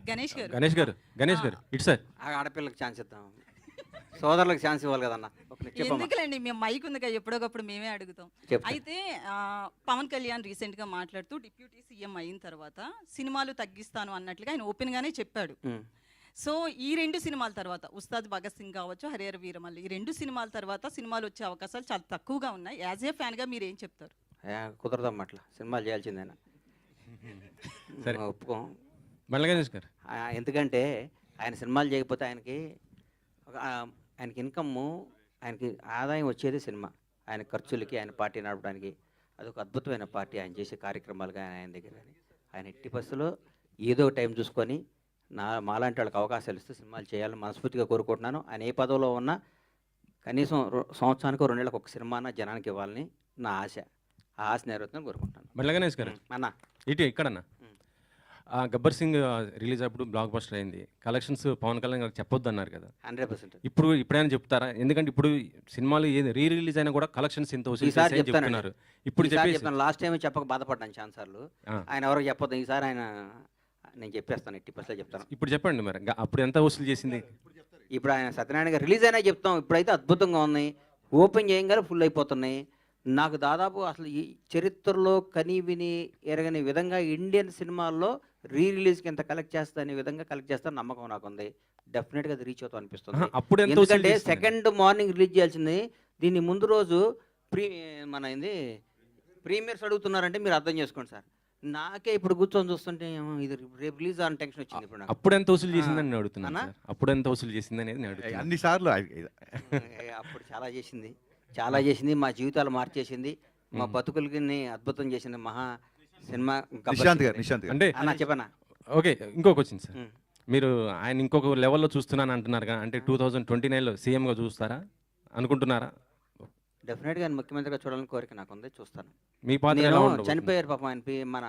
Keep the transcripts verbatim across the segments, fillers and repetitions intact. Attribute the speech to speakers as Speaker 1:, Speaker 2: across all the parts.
Speaker 1: గణేష్ గారు
Speaker 2: గణేష్ గారు గణేష్ గారు ఇటు సార్
Speaker 3: ఆ ఆడపిల్లకి ఛాన్స్ ఇద్దాం, సోదరులకు ఛాన్స్ ఇవ్వాలి కదన్న. ఒక నిమిషం చెప్పమ్మా.
Speaker 1: ఎందుకులేండి మేము మైక్ ఉంది కదా ఎప్పుడోకప్పుడు మేమే అడుగుతాం.
Speaker 3: చెప్తా.
Speaker 1: అయితే ఆ, పవన్ కళ్యాణ్ రీసెంట్ గా మాట్లాడుతూ డిప్యూటీ సీఎం అయిన తర్వాత సినిమాలు తగ్గిస్తాను అన్నట్లుగా ఆయన ఓపెన్ గానే చెప్పాడు.
Speaker 3: ఉమ్.
Speaker 1: సో ఈ రెండు సినిమాల తర్వాత ఉస్తాద్ భగత్ సింగ్ కావచ్చు, హరిహర వీరమల్లి, ఈ రెండు సినిమాల తర్వాత సినిమాలు వచ్చే అవకాశాలు చాలా తక్కువగా ఉన్నాయి. యాజ్ ఏ ఫ్యాన్ గా మీరు ఏం చెప్తారు?
Speaker 3: ఏ, కుదరదమ్మా అట్లా, సినిమాలు చేయాల్సిందేనా.
Speaker 2: సరే.
Speaker 3: ఒప్పుకోం.
Speaker 2: మళ్ళీ గణేష్ గారు
Speaker 3: ఆ, ఎందుకంటే ఆయన సినిమాలు చేయకపోతే ఆయనకి ఒక ఆ, ఆయనకి ఇన్కమ్, ఆయనకి ఆదాయం వచ్చేది సినిమా. ఆయన ఖర్చులకి, ఆయన పార్టీ నడపడానికి అదొక అద్భుతమైన పార్టీ. ఆయన చేసే కార్యక్రమాలు కానీ ఆయన దగ్గర కానీ ఆయన ఎట్టి బస్సులో ఏదో టైం చూసుకొని నా మాలాంటి వాళ్ళకి అవకాశాలు ఇస్తూ సినిమాలు చేయాలని మనస్ఫూర్తిగా కోరుకుంటున్నాను. ఆయన ఏ పదవిలో ఉన్నా కనీసం రో- సంవత్సరానికి రెండు నెలలకు ఒక సినిమాన జనానికి ఇవ్వాలని నా ఆశ. ఆ ఆశ నెరవేరుతుందని కోరుకుంటున్నాను.
Speaker 2: మళ్ళీ గణేష్ గారు
Speaker 3: అన్న
Speaker 2: ఇటు ఇక్కడన్నా ఆ, గబ్బర్ సింగ్ రిలీజ్ అప్పుడు బ్లాక్ బస్టర్ అయింది. కలెక్షన్స్ పవన్ కళ్యాణ్ గారు చెప్పొద్దు అన్నారు కదా,
Speaker 3: హండ్రెడ్ పర్సెంట్
Speaker 2: ఇప్పుడు ఇప్పుడైనా చెప్తారా? ఎందుకంటే ఇప్పుడు సినిమాలు ఏది రీ రిలీజ్ అయినా కూడా కలెక్షన్స్ ఇంత వసూలు
Speaker 3: ఈసారి
Speaker 2: చేశాయని
Speaker 3: చెప్తానండి.
Speaker 2: చెప్తున్నారు. ఇప్పుడు చెప్పేసి
Speaker 3: చెప్తాను. లాస్ట్ టైం చెప్పక బాధపడ్డాను ఛాన్స్ సార్లు.
Speaker 2: ఆ.
Speaker 3: ఆయన ఎవరికి చెప్పొద్దు. ఈసారి ఆయన నేను చెప్పేస్తాను, ఎట్టి పర్సెంట్ చెప్తాను.
Speaker 2: ఇప్పుడు చెప్పండి మరి గ- అప్పుడు ఎంత వసూలు చేసింది?
Speaker 3: ఇప్పుడు ఆయన సత్యనారాయణ గారు రిలీజ్ అయినా చెప్తాం. ఇప్పుడైతే అద్భుతంగా ఉన్నాయి, ఓపెన్ చేయగానే ఫుల్ అయిపోతున్నాయి. నాకు దాదాపు అసలు ఈ చరిత్రలో కని విని ఎరగని విధంగా ఇండియన్ సినిమాల్లో రీ రిలీజ్కి ఎంత కలెక్ట్ చేస్తా అనే విధంగా కలెక్ట్ చేస్తా నమ్మకం నాకు ఉంది. డెఫినెట్గా అది రీచ్ అవుతాం అనిపిస్తుంది.
Speaker 2: ఆహా, అప్పుడు ఎంత వసూలు
Speaker 3: ఎందుకంటే
Speaker 2: చేసింది?
Speaker 3: సెకండ్ మార్నింగ్ రిలీజ్ చేయాల్సింది, దీన్ని ముందు రోజు ప్రీ మన ఏంది ప్రీమియర్స్ అడుగుతున్నారంటే మీరు అర్థం చేసుకోండి సార్. నాకే ఇప్పుడు కూర్చొని చూస్తుంటే ఏమో ఇది రేపు రిలీజ్ అని టెన్షన్ వచ్చింది ఇప్పుడు నాకు.
Speaker 2: అప్పుడు ఎంత వసూలు చేసిందని నేను అడుగుతున్నాను
Speaker 3: అన్నా?
Speaker 2: సార్. అప్పుడు ఎంత వసూలు చేసింది అనేది నేను అడుగుతున్నాను.
Speaker 4: అన్ని సార్లు
Speaker 3: ఏ, అప్పుడు చాలా చేసింది, చాలా చేసింది. మా జీవితాలు మార్చేసింది, మా బతుకులకి అద్భుతం చేసింది మహా సినిమా. గబ్బర్
Speaker 4: నిశాంత్
Speaker 3: సింగ్
Speaker 4: గారు నిశాంత్ గారు
Speaker 2: అంటే
Speaker 3: అన్న చెప్పనా.
Speaker 2: ఓకే, ఇంకొక వచ్చింది సార్.
Speaker 3: ఉమ్.
Speaker 2: మీరు ఆయన ఇంకొక లెవెల్లో చూస్తున్నాను అంటున్నారు కదా, అంటే టూ థౌజండ్ ట్వంటీ నైన్లో సీఎంగా చూస్తారా అనుకుంటున్నారా?
Speaker 3: డెఫినెట్గా ఆయన ముఖ్యమంత్రిగా చూడాలని కోరిక నాకు ఉంది, చూస్తాను.
Speaker 2: మీ పాత్ర ఎలా
Speaker 3: నేను
Speaker 2: ఉండబోతుంది?
Speaker 3: చనిపోయారు పాపం ఆయన పే- మన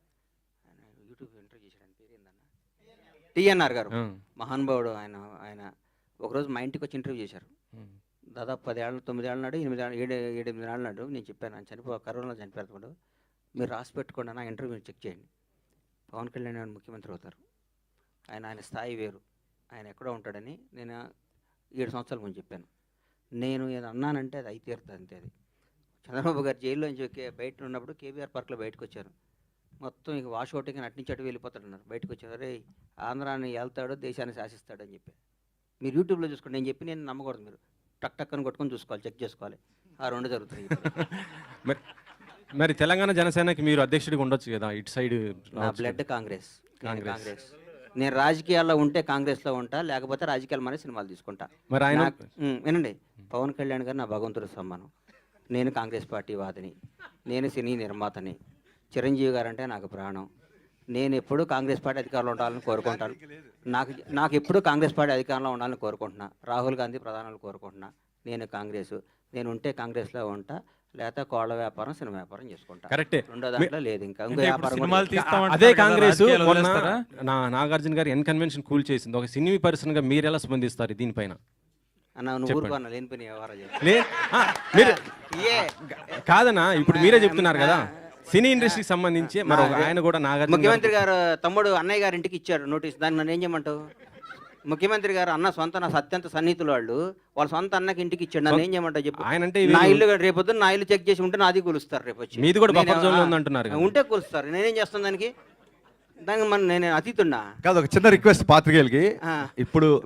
Speaker 3: ఆయన యూట్యూబ్ ఇంటర్వ్యూ చేశాడు, ఆయన పేరు ఏందన్న, టిఎన్ఆర్ గారు,
Speaker 2: ఆ,
Speaker 3: మహానుభావుడు. ఆయన ఆయన ఒకరోజు మా ఇంటికి వచ్చి ఇంటర్వ్యూ చేశారు.
Speaker 2: ఉమ్,
Speaker 3: దాదాపు పదేళ్ళు తొమ్మిది ఏళ్ళ నాడు ఎనిమిది ఏళ్ళ ఏడు ఏడు ఎనిమిది ఏళ్ళ నాడు నేను చెప్పాను ఆయన చనిపో కరోనా చనిపోయాడు, మీరు రాసి పెట్టుకోండి నా ఇంటర్వ్యూ చెక్ చేయండి. పవన్ కళ్యాణ్ గారు ముఖ్యమంత్రి అవుతారు, ఆయన ఆయన స్థాయి వేరు, ఆయన ఎక్కడో ఉంటాడని నేను ఏడు సంవత్సరాల ముందు చెప్పాను. నేను ఏదో అన్నానంటే అది అయితే తీరుతుంది అంతే. అది చంద్రబాబు గారు జైల్లో నుంచి కే- బయట ఉన్నప్పుడు కేబీఆర్ పార్క్లో బయటకు వచ్చారు. మొత్తం ఇక వాష్ అవుట్కి అటు నుంచి అటు వెళ్ళిపోతాడన్నారు. బయటకు వచ్చారు, రే ఆంధ్రాన్ని వెళ్తాడు దేశాన్ని శాసిస్తాడు అని చెప్పి. మీరు యూట్యూబ్లో చూసుకోండి, నేను చెప్పి నేను నమ్మకూడదు. మీరు టక్ టక్కని కొట్టుకొని చూసుకోవాలి, చెక్ చేసుకోవాలి. ఆ రెండు జరుగుతాయి.
Speaker 2: మరి మరి తెలంగాణ జనసేనకి మీరు అధ్యక్షుడిగా ఉండొచ్చు కదా, ఇటు సైడ్
Speaker 3: నా బ్లడ్ కాంగ్రెస్. నేను
Speaker 2: కాంగ్రెస్.
Speaker 3: కాంగ్రెస్. నేను రాజకీయాల్లో ఉంటే కాంగ్రెస్లో ఉంటా, లేకపోతే రాజకీయాలు మన సినిమాలు తీసుకుంటా.
Speaker 2: మరి ఆయన
Speaker 3: నాకు- ఉమ్, వినండి, పవన్ కళ్యాణ్ గారు నా భగవంతుడి సమ్మానం. నేను కాంగ్రెస్ పార్టీ వాదిని, నేను సినీ నిర్మాతని. చిరంజీవి గారు అంటే నాకు ప్రాణం. నేను ఎప్పుడూ కాంగ్రెస్ పార్టీ అధికారంలో ఉండాలని కోరుకుంటాను. నాకు నాకు ఎప్పుడూ కాంగ్రెస్ పార్టీ అధికారంలో ఉండాలని కోరుకుంటున్నా. రాహుల్ గాంధీ ప్రధానాలు కోరుకుంటున్నా. నేను కాంగ్రెస్, నేను ఉంటే కాంగ్రెస్లో ఉంటా, లేకపోతే కోళ్ళ వ్యాపారం సినిమా వ్యాపారం చేసుకుంటా.
Speaker 2: కరెక్టే.
Speaker 3: రెండో దాంట్లో లేదు ఇంకా ఇంకో వ్యాపారం కూడా
Speaker 5: సినిమాలు
Speaker 3: లేదు.
Speaker 5: తీస్తామంటున్నారు
Speaker 2: అదే
Speaker 5: కదా,
Speaker 2: కాంగ్రెస్
Speaker 5: రాజకీయాలు
Speaker 2: మొన్న
Speaker 5: వదిలేస్తారా?
Speaker 2: నా నాగార్జున గారు ఎన్ కన్వెన్షన్ కూల్ చేసింది. ఒక సినీ పర్సన్ గా మీరు ఎలా స్పందిస్తారు దీనిపైన?
Speaker 3: అన్న నువ్వు
Speaker 2: చెప్పండి.
Speaker 3: ఊరుకోన్న లేనిపోయిన వ్యవహారం చేస్తా.
Speaker 2: లే ఆ, మీరు
Speaker 3: ఏ
Speaker 2: కాదన్నా, ఇప్పుడు మీరే చెప్తున్నారు కదా సినీ ఇండస్ట్రీకి సంబంధించి మరి ఒక ఆయన కూడా నాగార్జున
Speaker 3: ముఖ్యమంత్రి గారు తమ్ముడు అన్నయ్య గారి ఇంటికి ఇచ్చాడు నోటీస్, దాన్ని నన్ను ఏం చేయమంటావు? ముఖ్యమంత్రి గారు అన్న సొంత నా అత్యంత సన్నిహితులు వాళ్ళు, వాళ్ళ సొంత అన్నకి ఇంటికి ఇచ్చాడు, నన్ను ఏం చేయమంటావు చెప్పు.
Speaker 2: ఆయన అంటే
Speaker 3: నా ఇల్లు రేపొద్దు నా ఇల్లు చెక్ చేసి ఉంటే నాది కూలుస్తారు రేపు వచ్చి.
Speaker 2: మీది కూడా
Speaker 3: నేను-
Speaker 2: బఫర్ జోన్ లో
Speaker 3: ఆ,
Speaker 2: ఉందంటున్నారు కదా.
Speaker 3: ఉంటే కూలుస్తారు, నేనేం చేస్తాను దానికి? దానికి మన నేను అతీతున్నా.
Speaker 4: కాదు, ఒక చిన్న రిక్వెస్ట్ పాత్రికేయులకి.
Speaker 3: ఆ.
Speaker 4: ఇప్పుడు